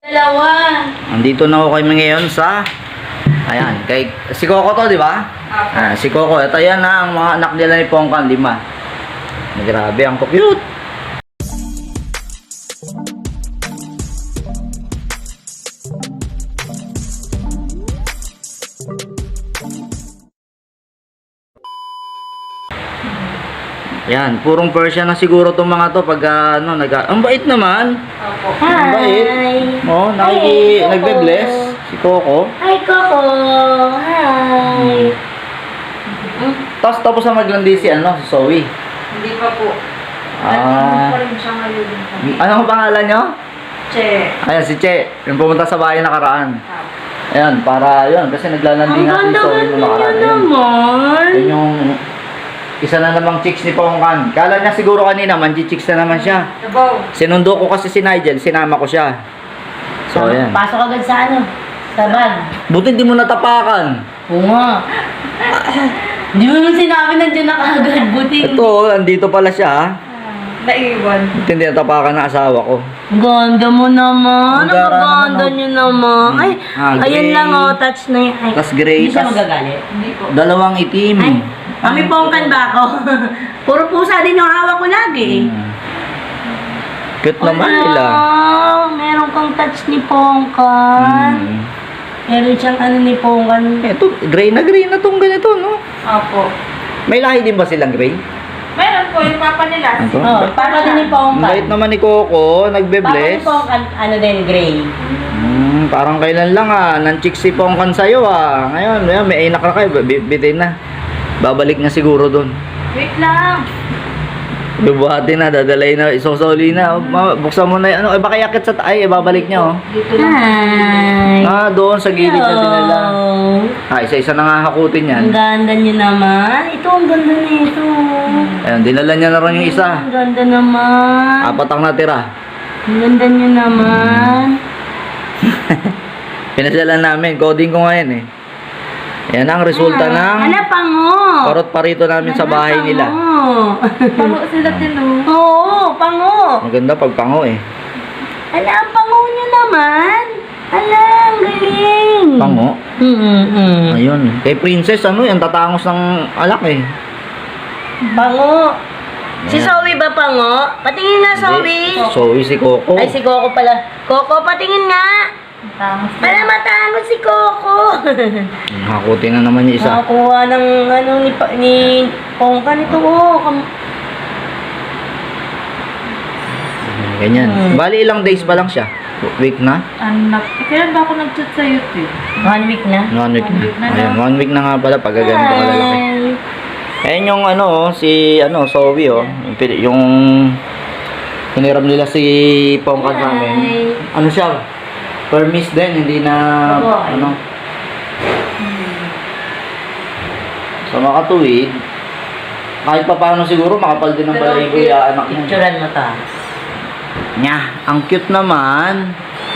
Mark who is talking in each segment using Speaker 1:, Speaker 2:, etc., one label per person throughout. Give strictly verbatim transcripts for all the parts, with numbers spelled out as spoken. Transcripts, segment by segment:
Speaker 1: Dalawa.
Speaker 2: Andito na ako kami ngayon sa ayan, kay si Coco to, di ba? Ah, si Coco. Ito yan na ang mga anak nila ni Pongkan, lima. Grabe, ang cute. Yan, purong Persian na siguro tong mga to pag uh, ano, nag ang bait naman.
Speaker 1: Opo.
Speaker 2: Ang bait. Oh, nakiki
Speaker 1: Hi,
Speaker 2: nagbe-bless si Coco.
Speaker 1: Hi, Coco. Hi.
Speaker 2: Hmm. Tapos tapos na maglandi si ano, si Zoe.
Speaker 3: Hindi pa po.
Speaker 2: Ah.
Speaker 3: Nandito pa rin siya ngayon.
Speaker 2: Ano ang pangalan niyo?
Speaker 3: Che.
Speaker 2: Ayan, si Che. Yung pumunta sa bahay nakaraan.
Speaker 3: Ah.
Speaker 2: Ayan, para yun. Kasi naglalandi nga si Zoe nung nakaraan. Yun.
Speaker 1: naman.
Speaker 2: Yun yung isa na namang chicks ni Pongkan. Kala niya siguro kanina, manji-chicks na naman siya.
Speaker 3: Sabaw.
Speaker 2: Sinundo ko kasi si Nigel, sinama ko siya. So, ayan.
Speaker 1: Pasok agad sa ano? Sa bag.
Speaker 2: Buti hindi mo natapakan.
Speaker 1: Oo nga. Hindi mo naman sinabi nandiyan na kagad. Buti.
Speaker 2: Ito, andito pala siya. Ha?
Speaker 3: Naiwan.
Speaker 2: Buti hindi natapakan ng asawa ko.
Speaker 1: Ganda mo naman.
Speaker 2: Ang gara
Speaker 1: Ang ganda
Speaker 2: naman, oh.
Speaker 1: niyo naman. Ay,
Speaker 2: Ah,
Speaker 1: ayun
Speaker 2: gray.
Speaker 1: lang oh. Touch na yan. Ay,
Speaker 2: Tas gray,
Speaker 1: Hindi siya
Speaker 2: tas-
Speaker 1: magagalit.
Speaker 3: Hindi po.
Speaker 2: Dalawang itim.
Speaker 1: Ay, kami Pongkan ba ako? Puro pusa din yung hawak ko lagi.
Speaker 2: Hmm. Cute naman nila.
Speaker 1: Wow, meron kang touch ni Pongkan.
Speaker 2: Hmm.
Speaker 1: Meron siyang ano ni Pongkan.
Speaker 2: Ito, gray na gray na tong ganito, no?
Speaker 3: Opo.
Speaker 2: May lahi din ba silang gray?
Speaker 3: Meron po yung papa nila.
Speaker 2: Ito?
Speaker 1: Oh, para din ni
Speaker 2: Ang
Speaker 1: Pongkan.
Speaker 2: bait naman ni Coco,
Speaker 1: Para
Speaker 2: nagbe-bless.
Speaker 1: ni Pongkan, ano din, gray.
Speaker 2: Hmm, parang kailan lang ah, nan-chick si Pongkan sa'yo ah. Ngayon, ngayon may inak na kayo, bi- bitin na. Babalik na siguro doon.
Speaker 3: Wait lang.
Speaker 2: Bubuhatin na, dadalay na, isosoli na. Oh, ma- buksan mo na yun. Ano, eh, baka yakit sa taay, eh, babalik niya oh.
Speaker 3: Dito lang.
Speaker 1: Hi.
Speaker 2: Ah, doon sa gilid na dinala.
Speaker 1: Hello.
Speaker 2: Ah, isa-isa na nga hakutin yan.
Speaker 1: Ang ganda niyo naman. Ito, ang ganda nito.
Speaker 2: Ayan, dinala niya na rin yung isa.
Speaker 1: Ang ganda naman.
Speaker 2: Apat ang natira.
Speaker 1: Ang ganda niyo naman.
Speaker 2: Pinasyalan namin, coding ko ngayon eh. Ayan ang resulta ng
Speaker 1: Ano, pango?
Speaker 2: parot parito namin sa bahay nila.
Speaker 1: Pango.
Speaker 3: Pango sila din oh.
Speaker 1: Oo, pango.
Speaker 2: Maganda pag pango eh.
Speaker 1: Ala, ang pango niyo naman. Ala, ang galing.
Speaker 2: Pango.
Speaker 1: Mm-mm.
Speaker 2: Ayun. Kay Princess, ano yan, tatangos ng alak eh.
Speaker 1: Pango. Si
Speaker 2: Ayan.
Speaker 1: Zoe ba pango? Patingin nga, Zoe.
Speaker 2: Hindi. Zoe si Coco.
Speaker 1: Ay, si Coco pala. Coco, patingin nga.
Speaker 3: Tangos na.
Speaker 1: Para matango si Coco.
Speaker 2: Hakutin na naman yung isa.
Speaker 1: Nakakuha ng ano ni, pa- ni Pongkan ito. Oh. Kam-
Speaker 2: Ganyan.
Speaker 1: Hmm.
Speaker 2: Bali ilang days pa lang siya. Week na?
Speaker 3: Anak. Kailan ba ako nag-chat sa YouTube?
Speaker 1: One week na.
Speaker 2: One week
Speaker 3: One
Speaker 2: na.
Speaker 3: week na
Speaker 2: Ayan,
Speaker 3: daw.
Speaker 2: one week na nga pala pag ganito kalalaki.
Speaker 1: Hi.
Speaker 2: Ayan yung ano, oh, si ano, Zoe oh. Yung, pin- yung hiniram nila si Pongkan sa amin.
Speaker 1: Hi.
Speaker 2: Ano siya? Permis din, hindi na
Speaker 1: Oo.
Speaker 2: ano. Sa mga tuwid, kahit pa paano siguro makapal din ng balahibo yung anak niya.
Speaker 1: Picturean mo to.
Speaker 2: Nya, ang cute naman.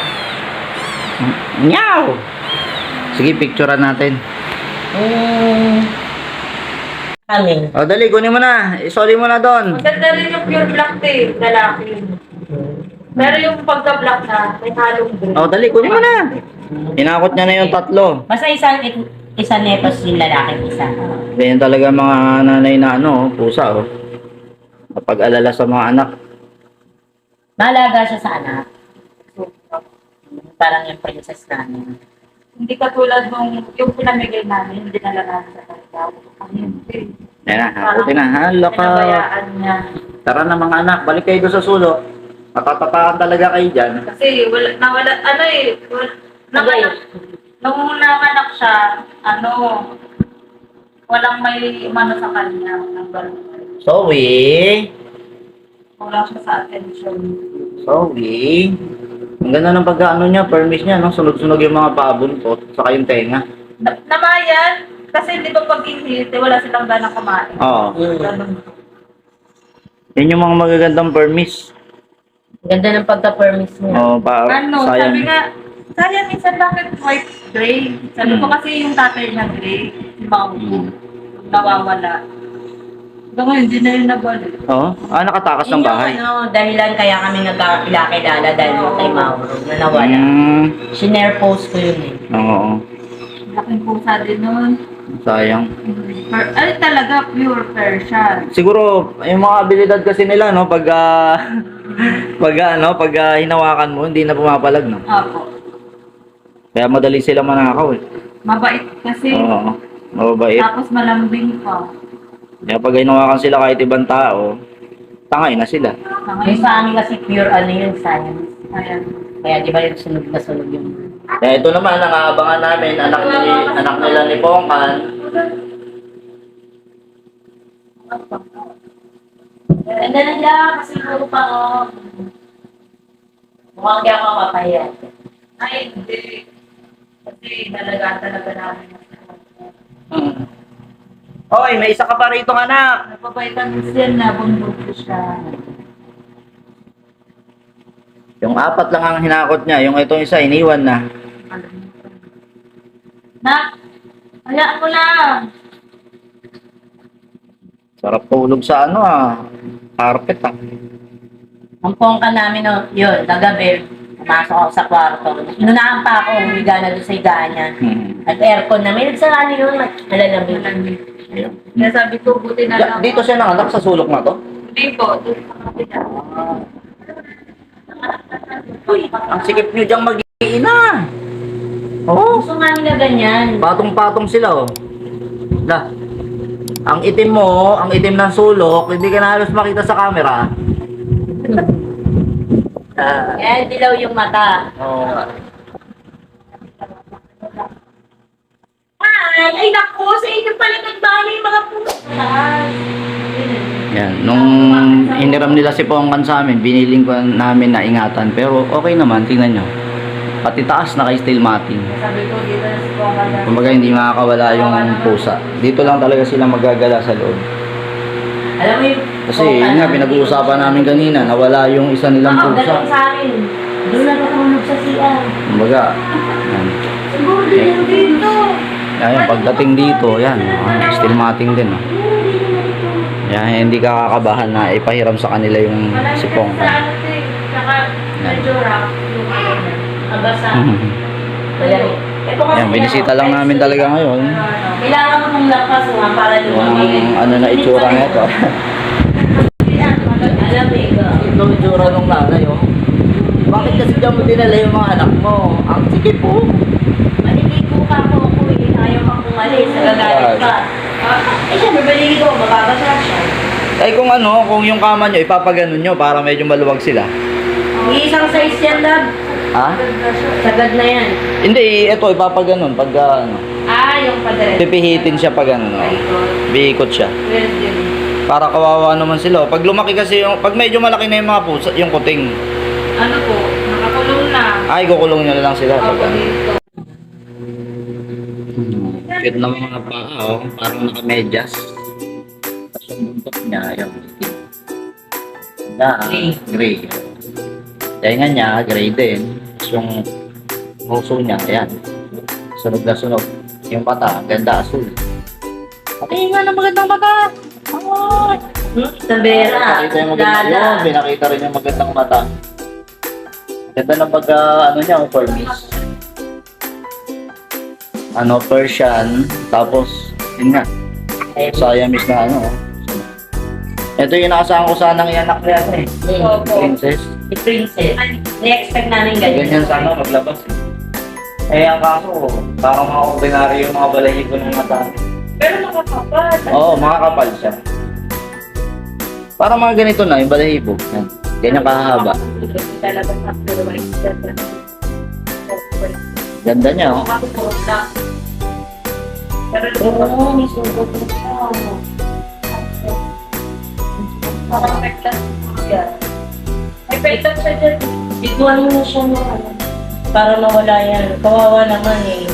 Speaker 2: Nyaw! Sige, picturean natin.
Speaker 1: Mm. Kami.
Speaker 2: O, dali, kunin mo na. Isoli mo na doon.
Speaker 3: Maganda rin yung pure black tea, lalaki. Pero yung pagka-black na, may halong green.
Speaker 2: O, dali, kunin mo na. Inakot niya na yung tatlo.
Speaker 1: Basta isa, isa netos yung lalaki isa.
Speaker 2: Ganyan talaga mga nanay na ano, pusa oh. Kapag alala sa mga anak.
Speaker 1: Malaga siya sa anak. Parang yung princess namin.
Speaker 3: Hindi katulad nung yung pinamigay namin, hindi na lang sa kanya. Ang hindi.
Speaker 2: Ayan na, hakutin na. Hala ka.
Speaker 3: Pinabayaan niya.
Speaker 2: Tara na mga anak, balik kayo doon sa sulok. Matatapakan talaga kayo dyan.
Speaker 3: Kasi wala, nawala, ano eh, wala, nanganak, nung nanganak siya, ano, walang may umano sa kanya, ng gano'n.
Speaker 2: Zoe!
Speaker 3: Wala siya sa attention.
Speaker 2: Zoe! Ang ganda ng pagkaano niya, permis niya, no? Sunog-sunog yung mga pabuntot, saka yung tenga.
Speaker 3: Na, namayan, kasi di ba pag inhilite, wala silang ganang kumain.
Speaker 2: Oo.
Speaker 3: Ganun.
Speaker 2: Yan yung mga magagandang permis.
Speaker 1: Ganda ng pagka-permis niya.
Speaker 2: Oo, pa,
Speaker 3: Ano,
Speaker 2: sayang.
Speaker 3: sabi nga, sayang minsan bakit white gray? Sabi ko
Speaker 2: Hmm.
Speaker 3: kasi yung tatay niya gray, si Maupo, nawawala. Hanggang ngayon, hindi na yun nabalik.
Speaker 2: Oo. Ah, nakatakas ng
Speaker 4: Yun yung
Speaker 2: bahay.
Speaker 4: ano, dahilan kaya kami nagkakilala dahil mo kay Mauro na nawala.
Speaker 2: Hmm.
Speaker 4: Sinare post ko yun eh.
Speaker 2: Oo.
Speaker 3: Laking pusa din nun.
Speaker 2: Sayang.
Speaker 3: Per, ay, talaga, pure Persian.
Speaker 2: Siguro, yung mga abilidad kasi nila, no, pag, ah, pag, ano, pag ah, hinawakan mo, hindi na pumapalag, no?
Speaker 3: Opo.
Speaker 2: Kaya madali sila manakaw, eh.
Speaker 3: Mabait kasi.
Speaker 2: Oo. Mababait.
Speaker 3: Tapos malambing pa.
Speaker 2: Kaya pag hinawakan sila kahit ibang tao, tangay na sila.
Speaker 4: Yung sa amin kasi pure ano yun, science.
Speaker 3: Ayan.
Speaker 4: Kaya di ba yung sunog na sunog yung...
Speaker 2: Kaya ito naman, ang aabangan namin, anak, ni, anak nila ni Pongkan.
Speaker 4: Ganda na siya, kasi puro pa ako. Mukhang di ako mapapaya.
Speaker 3: Ay, hindi. Kasi nalagaan talaga namin.
Speaker 2: Hmm. Hoy, may isa ka pa rito, anak.
Speaker 3: Napapaitan siya na bundok siya.
Speaker 2: Yung apat lang ang hinakot niya, yung itong isa, iniwan na.
Speaker 3: Nak, hayaan mo na.
Speaker 2: Sarap tulog sa ano ah, carpet ah.
Speaker 4: Ang pongka namin, no, yun, kagabi, pumasok ako sa kwarto. Inunahan pa ako, humiga na doon sa higaan niya.
Speaker 2: Hmm.
Speaker 4: At aircon na, may nagsarani yun, malalamig.
Speaker 3: Malamig.
Speaker 2: Ayun.
Speaker 3: Kaya sabi ko, buti na
Speaker 2: Ya,
Speaker 3: lang.
Speaker 2: dito siya nanganak sa sulok na to.
Speaker 3: Hindi po, doon sa kapila.
Speaker 2: Uy, ang sikip nyo diyang mag-iina. Oo.
Speaker 4: Gusto nga nila ganyan.
Speaker 2: Patong-patong sila oh. La. Ang itim mo, ang itim ng sulok, hindi ka na halos makita sa camera. Ah,
Speaker 4: Kaya dilaw yung mata.
Speaker 2: oo.
Speaker 4: Ay, ay naku, sa inyo pala nagbahay yung mga pusa.
Speaker 2: Yan, nung hiniram nila si Pongkan sa amin, biniling ko namin na ingatan. Pero okay naman, tingnan nyo. Pati taas na kay steel matting.
Speaker 3: Sabi ko, dito na si Pongkan na.
Speaker 2: Kumbaga hindi makakawala yung pusa. Dito lang talaga sila magagala sa loob.
Speaker 4: Alam mo yung...
Speaker 2: Kasi yun nga, pinag-uusapan namin kanina, nawala yung isa nilang
Speaker 4: Oo,
Speaker 2: pusa.
Speaker 4: ganun sa amin. Doon na natulog sa C R.
Speaker 2: Kumbaga, yan.
Speaker 3: Siguro din dito.
Speaker 2: Yan, pagdating dito, yan, ah, steel matting din. Oh. Yan, hindi ka kakabahan na ipahiram sa kanila yung
Speaker 3: Wala
Speaker 2: si
Speaker 3: na sa
Speaker 2: Pongkan.
Speaker 3: ano eh. Saka medyo rough yung ano niya.
Speaker 4: Abasa. Wala rin. Ito kasi
Speaker 2: Yan, binisita lang namin talaga ngayon.
Speaker 4: Kailangan mo nung lakas mo para lumamig.
Speaker 2: Yung ano na itsura nito.
Speaker 4: Alam mo ikaw.
Speaker 2: Ito itsura nung nanay, oh. Bakit kasi dyan mo dinala yung mga anak mo? Ang sikip po.
Speaker 4: Maliligo pa ako ako eh. Ayaw kang umalis. Nagagalit pa. Eh siya, maliligo. Mababasa siya.
Speaker 2: Ay kung ano, kung yung kama nyo, ipapaganon nyo para medyo maluwag sila.
Speaker 4: Isang size yan, love.
Speaker 2: Ha?
Speaker 4: Sagad na yan.
Speaker 2: Hindi, ito ipapaganon pag ah, ano.
Speaker 3: Ah, yung padre.
Speaker 2: Pipihitin siya pag ano. Oh. Biikot siya.
Speaker 3: Well, din.
Speaker 2: Para kawawa naman sila. Pag lumaki kasi yung, pag medyo malaki na yung mga pusa, yung kuting.
Speaker 3: Ano po, nakakulong na.
Speaker 2: Ay, kukulong nyo na lang sila. Pag,
Speaker 3: Ako
Speaker 2: ano.
Speaker 3: dito.
Speaker 2: Cute na mga paa, oh. Parang nakamedyas. Tapos yung buntot niya, yung na,
Speaker 4: Gray.
Speaker 2: gray. Tenga niya, gray din. Tapos yung puso niya, ayan. Sunog na sunog. Yung mata, ganda asul. Pati nga ng magandang mata. Ay!
Speaker 4: Hmm? Sabera.
Speaker 2: Nakita yung magandang
Speaker 4: Lala.
Speaker 2: yun. Pinakita rin yung magandang mata. Ganda ng pagka, ano niya, Burmese. Ano, Persian. Tapos, yun nga. Siamese na ano. oh. Ito yung nakasahan ko sanang ianak niya ano eh.
Speaker 3: Opo.
Speaker 2: Princess.
Speaker 4: Si Princess. Na-expect namin ganyan.
Speaker 2: Ganyan sana maglabas eh. Eh, ang kaso, parang mga ordinary yung mga balahibo ng mata.
Speaker 3: Pero nakakapal.
Speaker 2: Oo, mga kapal siya. Parang mga ganito na, yung balahibo. Yan. Ganyan kahaba.
Speaker 3: Talaga sa pero may
Speaker 2: Ganda niya, oh.
Speaker 3: Pero
Speaker 4: Oo, may sugot na siya.
Speaker 3: parang pektas siya. May pektas siya dyan.
Speaker 4: Biguan mo na siya mo. Para mawala yan. Kawawa naman eh.